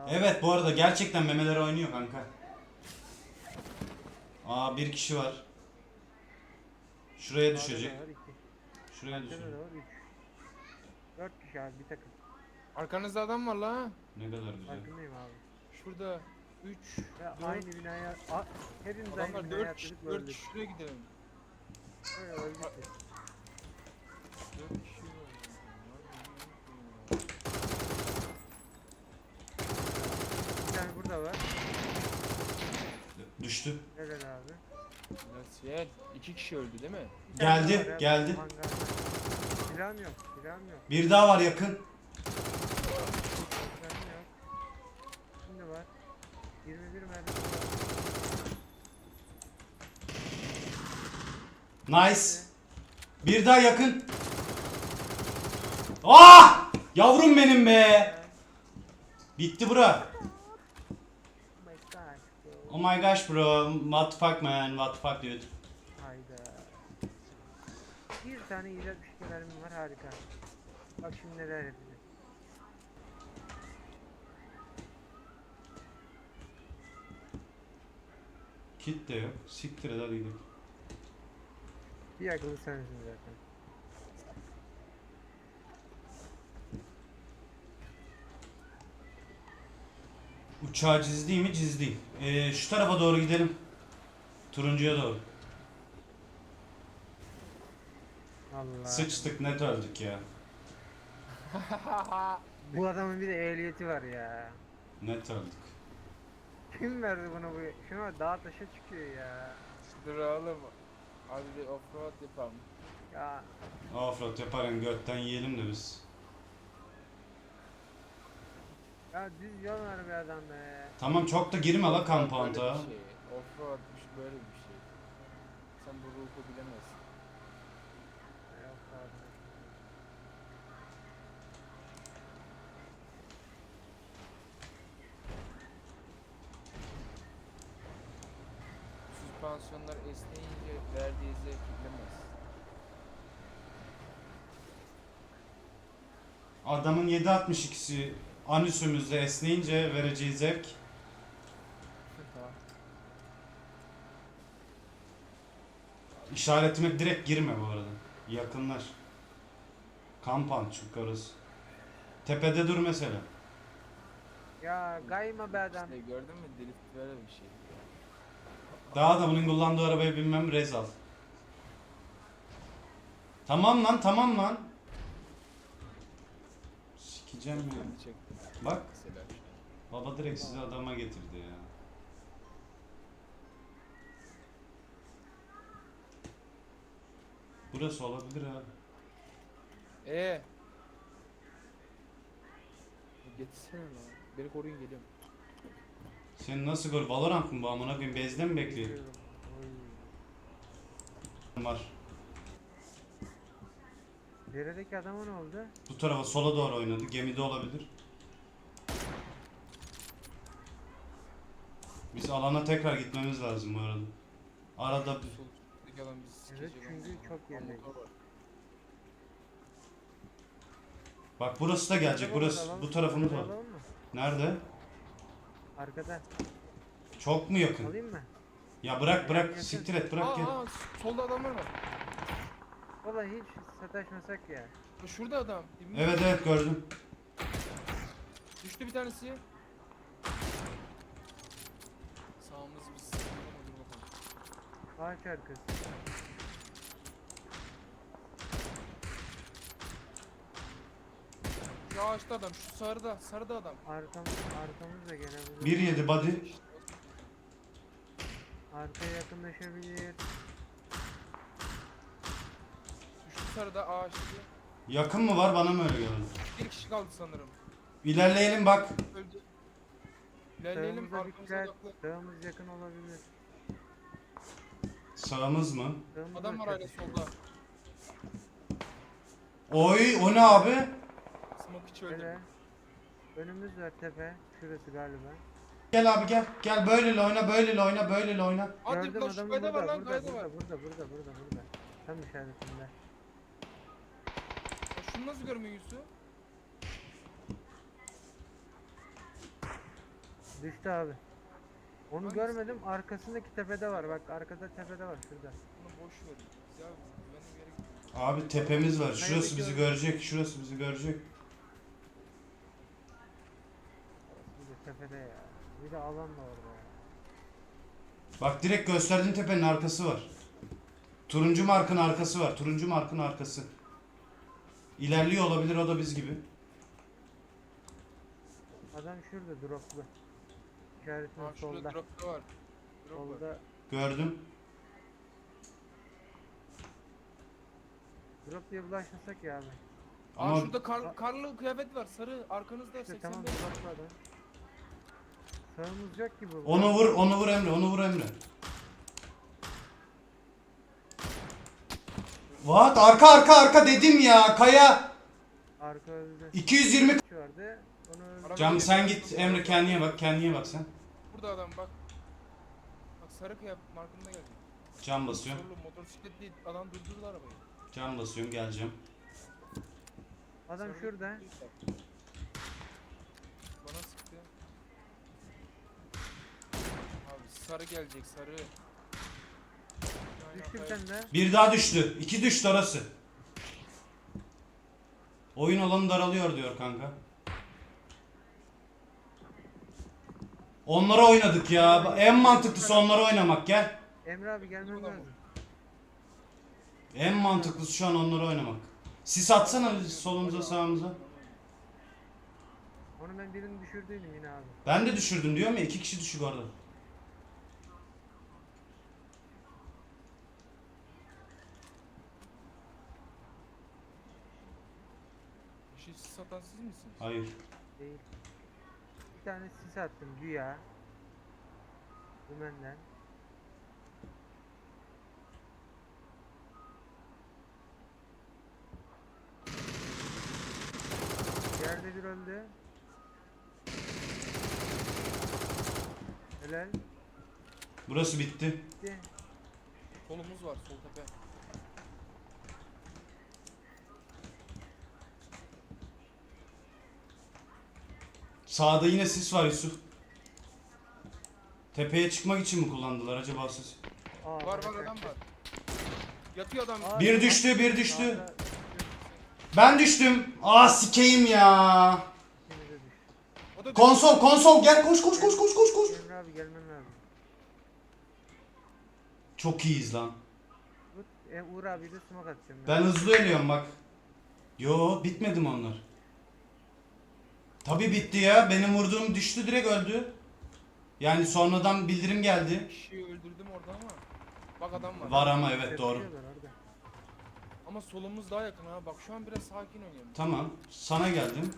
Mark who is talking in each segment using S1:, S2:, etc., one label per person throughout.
S1: Evet bu arada gerçekten memeler oynuyor kanka. Aa bir kişi var. Şuraya düşecek. Şuraya
S2: Arkada
S1: düşecek.
S2: da var 3. 4 kişi abi bir takım.
S3: Arkanızda adam var la.
S1: Ne kadar güzel.
S2: Farkındayım abi.
S3: Şurada 3,
S2: Ya
S3: 4
S2: aynı binaya hepimiz aynı
S3: adamlar,
S2: binaya
S3: 4 kişi,
S2: atladık
S3: 4
S2: öldük.
S3: kişi şuraya gidelim.
S2: Öyle öldük biz.
S3: 4 kişi var.
S2: Bir tane burada var.
S1: Düştü.
S2: Helal abi.
S3: Nasıl? 2 kişi öldü değil mi?
S2: Bir tane
S1: Geldi,
S2: daha var ya,
S1: geldi.
S2: hangarda. Silahım yok, silahım yok,
S1: Bir daha var yakın.
S2: silahım yok. Şimdi var. 21 mermi var.
S1: Nice. Bir daha yakın. Ah! Yavrum benim be. Bitti bura.
S2: Oh my god.
S1: Oh my gosh bro. What the fuck man? What the fuck dude?
S2: Hayda. Bir tane 162 mermim var, harika. Bak şimdi neler yapacağız.
S1: Kit de yok. Siktir et hadi gidelim.
S2: Bir akıllı sensin zaten.
S1: Uçağı cizleyeyim mi? Cizleyeyim. Şu tarafa doğru gidelim. Turuncuya doğru.
S2: Allah.
S1: Sıçtık net öldük ya.
S2: Bu adamın bir de ehliyeti var ya.
S1: Net öldük.
S2: Kim verdi buna bu? Şuna bak, dağa taşa çıkıyor ya.
S3: Dur oğlum. Abi bir offroad yapalım.
S2: Ya
S1: Offroad yaparken götten yiyelim de biz.
S2: ya düz yol var bir adam be.
S1: Tamam çok da girme la
S3: Böyle
S1: kampanta.
S3: bir şey. Offroadmuş böyle bir şey. Sen bu ruhu bilemezsin.
S2: Yok abi.
S3: Süspansiyonlar esneyince verdiği zevki bilemez.
S1: Adamın 7.62'si anüsümüzde esneyince vereceği zevk. İşaretime direkt girme bu arada. Yakınlar. Kampan çünkü orası. Tepede dur mesela.
S2: Ya kayma be adam.
S3: İşte gördün mü, drift böyle bir şey.
S1: Daha da bunun kullandığı arabaya binmem rezal. Tamam lan tamam lan. Sikeceğim ya.
S3: Kendi çektim.
S1: Bak
S3: Mesela.
S1: baba direkt sizi adama getirdi ya. Burası olabilir abi.
S3: Getirsene lan. Beni koruyun, geliyorum.
S1: Senin nasıl gol? Valorant mı bu amına koyayım? Bezde mi bekliyor?
S2: Biliyorum. Oy.
S1: Var.
S2: Deredeki adama ne oldu?
S1: Bu tarafa sola doğru oynadı. Gemide olabilir. Biz alana tekrar gitmemiz lazım bu arada. Arada
S3: Sol üstteki adam bizi
S2: Evet,
S3: sikecek
S2: çünkü
S3: ama.
S2: çok gerideyiz.
S3: Motor var.
S1: bak burası da gelecek.
S2: Araba
S1: Burası
S2: alalım.
S1: bu tarafımız
S2: Araba
S1: var.
S2: alalım mı?
S1: Nerede?
S2: Arkada.
S1: Çok mu yakın?
S2: Alayım mı?
S1: Ya bırak bırak
S2: Yakın.
S1: siktir et bırak gel.
S3: Solda adamlar var.
S2: Valla hiç sataşmasak ya.
S3: Şurada adam. Dibimde.
S1: Evet evet gördüm.
S3: Düştü bir tanesi. Sağımız biz. Dur bakalım.
S2: Ağaç arkası.
S3: Şu ağaçta adam, şu sarıda adam.
S2: Arkamız da gelebilir.
S1: 1.7 body.
S2: Arkaya yakınlaşabilir.
S3: Şu sarıda ağaçta.
S1: Yakın mı var bana mı öyle geldi?
S3: Bir kişi kaldı sanırım.
S1: İlerleyelim bak.
S3: Öldü. İlerleyelim,
S2: Sağımıza
S3: arkamıza
S2: dikkat.
S3: odaklı.
S2: Sağımız yakın olabilir.
S1: Sağımız mı?
S2: Sağımız
S3: Adam var
S2: da
S3: hala
S2: çatışıyor.
S3: solda.
S1: Oy o ne abi?
S3: Smoke hiç öldü.
S2: Şöyle. Önümüz var, tepe. Şurası galiba.
S1: Gel abi gel. Gel böyleyle oyna böyleyle oyna böyleyle oyna.
S3: Hadi
S2: Gördüm
S3: lan, şu
S2: adamı
S3: kayda var
S2: burada.
S3: lan, kayda var.
S2: Burada. Tam işaretinde.
S3: Ya şunu nasıl görmüyor Yusuf?
S2: Düştü abi. Onu
S3: Hangisi?
S2: görmedim. Arkasındaki tepede var. Bak arkada tepede var şurada.
S3: Bunu boş ver. Biz abi güvenli bir yere gidiyoruz.
S1: Abi tepemiz var. Şurası
S2: Hayır,
S1: bizi
S2: gördüm.
S1: görecek. Şurası bizi görecek.
S2: Bir de tepede ya. Bir de alan da orada ya.
S1: Bak direkt gösterdiğin tepenin arkası var. Turuncu markın arkası var. Turuncu markın arkası. İlerliyor olabilir o da biz gibi.
S2: Adam şurada droplu. İşaretinin
S3: Ha şurada
S2: solda.
S3: drop da var. Drop var.
S2: Solda.
S1: Gördüm.
S2: Drop diye bulaşmasak ya abi.
S1: Ama
S3: Şurada karlı kıyafet var. Sarı arkanızda
S2: İşte
S3: 85.
S2: tamam droplu adam. Sağımız yok gibi.
S1: onu vur, onu vur Emre, onu vur Emre. What? Arka dedim ya. Kaya.
S2: Arka öldü.
S1: 220.
S2: Kişi vardı. Onu öldü.
S1: Cam sen git Emre, kendine bak, kendine bak sen.
S3: Burada adam bak. Bak sarı kıyafet markında geldi.
S1: Cam basıyorum.
S3: Sorulu motosiklet değil. Adam durdurdu arabayı.
S1: Cam basıyorum, geleceğim.
S2: Adam
S3: Sarı
S2: şurada.
S3: kıyafet. Bana sıktı. Abi sarı gelecek sarı.
S2: Düştü bir tane de.
S1: Bir daha düştü. 2 düştü orası. Oyun alanı daralıyor diyor kanka. Onlara oynadık ya. En mantıklısı onlara oynamak, gel.
S2: Emre abi gelmen
S3: Burada mı?
S2: lazım.
S1: En mantıklısı şu an onlara oynamak. Sis atsana solumuza sağımıza.
S2: Onu ben birini düşürdüydüm yine abi.
S1: Ben de düşürdüm diyorum ya, 2 kişi düşük orada.
S3: Bir şey satan siz misiniz?
S1: Hayır.
S2: Değil. Bir tane sis attım güya. Dümenden. Yerde bir öldü. Helal.
S1: Burası bitti.
S2: Gitti.
S3: Solumuz var sol tepe.
S1: Sağda yine sis var Yusuf. Tepeye çıkmak için mi kullandılar acaba sis?
S2: Aa,
S3: Var
S2: bana
S3: adam
S2: çaktı.
S3: var. Yatıyor adam.
S2: Aa,
S1: Bir
S2: sağ-
S1: düştü, bir düştü.
S2: sağda
S1: Ben düştüm. Aa sikeyim ya.
S2: ikimiz de düştü.
S3: O da
S1: Konsol gel, koş.
S2: Emre abi gelmen lazım.
S1: Çok iyiyiz lan.
S2: Uğur abi de smoke atacağım.
S1: Ben hızlı ölüyorum bak. Yo, bitmedi mi onlar? Tabi bitti ya. Benim vurduğum düştü, direkt öldü. Yani sonradan bildirim geldi.
S3: kişiyi öldürdüm orada ama. Bak adam var.
S1: Var ama evet, doğru.
S2: Yapıyorlar orada.
S3: Ama solumuz daha yakın ha. Bak şu an biraz sakin oynayalım.
S1: Tamam. Sana geldim.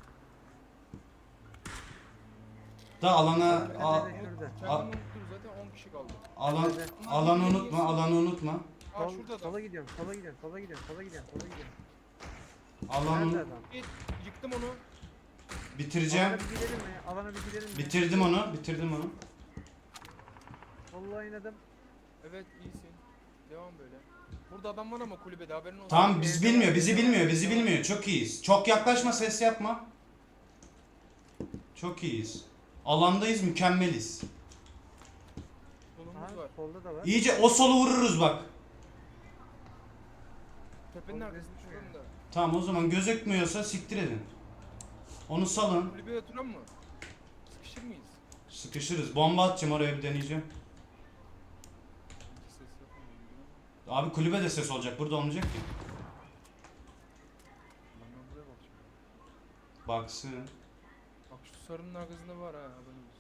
S1: Da alana
S2: Tepede şurada.
S3: Kendimi unuttum zaten 10 kişi kaldı.
S1: alanı unutma.
S3: Aa
S2: Sol,
S3: şurada adam.
S2: sola gidiyorum, sola gidiyorum, sola gidiyorum, sola gidiyorum, sola gidiyorum.
S1: Alanı
S2: Nerede adam?
S3: Yıktım onu.
S1: bitireceğim.
S2: Alana bir gidelim mi? Alana bir gidelim mi?
S1: Bitirdim onu.
S2: Solla oynadım.
S3: Evet iyisin. Devam böyle. Burada adam var ama kulübede haberin olsun.
S1: Tamam, bizi bilmiyor. Çok iyiyiz. Çok yaklaşma, ses yapma. Çok iyiyiz. Alandayız, mükemmeliz.
S3: Solumuz
S2: Aha,
S3: var.
S2: solda da var.
S1: İyice o solu vururuz bak.
S3: Tepenin
S2: Sol
S3: arkasında
S2: gözükmüyor.
S3: şuranın da.
S1: Tamam, o zaman gözükmüyorsa siktir edin. Onu salın.
S3: Kulübeye oturan mı? Sıkışır mıyız?
S1: Sıkışırız. Bomba atacağım, oraya bir deneyeceğim.
S3: İki ses yapamıyorum ya.
S1: Abi kulübede ses olacak. Burada olmayacak ki.
S3: Ben buraya bakacağım.
S1: Baksın.
S3: Bak şu sarının arkasında var ha haberiniz olsun.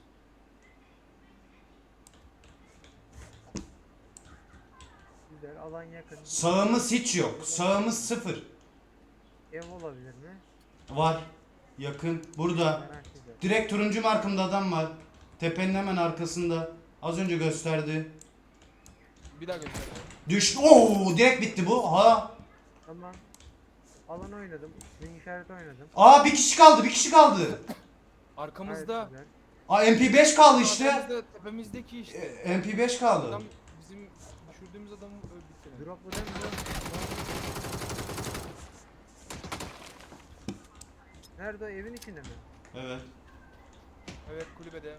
S2: Güzel, alan yakın.
S1: Sağımız hiç yok. Sağımız 0.
S2: Ev olabilir mi?
S1: Var. Yakın. Burada.
S2: Merak ediyorum.
S1: Direkt turuncu markımda adam var. Tepenin hemen arkasında. Az önce gösterdi.
S3: Bir daha göster.
S1: Düştü. Oo, direkt bitti bu. Ha.
S2: Tamam. Alan oynadım. Swing işareti oynadım.
S1: Aa, bir kişi kaldı.
S2: Gayet
S3: Arkamızda.
S2: güzel.
S1: Aa, MP5 kaldı işte.
S3: Arkamızda tepemizdeki işte.
S1: MP5 kaldı.
S3: Adam bizim düşürdüğümüz adamı öldürdü.
S2: Drop bu değil mi? Nerede o? Evin içinde mi?
S1: Evet.
S3: Evet kulübede.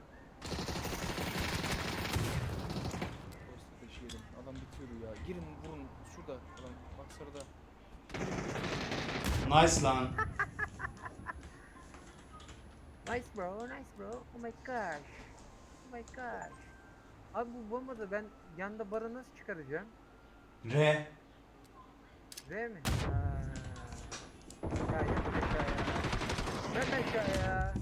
S3: Posta taşıyalım. Adam bitiyordu ya. Girin vurun. Şurada adam. Bak sarıda.
S1: Nice lan.
S2: Nice bro, nice bro. Oh my gosh. Oh my gosh. Abi bu bombada ben yanda bara nasıl çıkaracağım?
S1: R.
S2: R mi? Ya yat aşağıya. Yat aşağıya.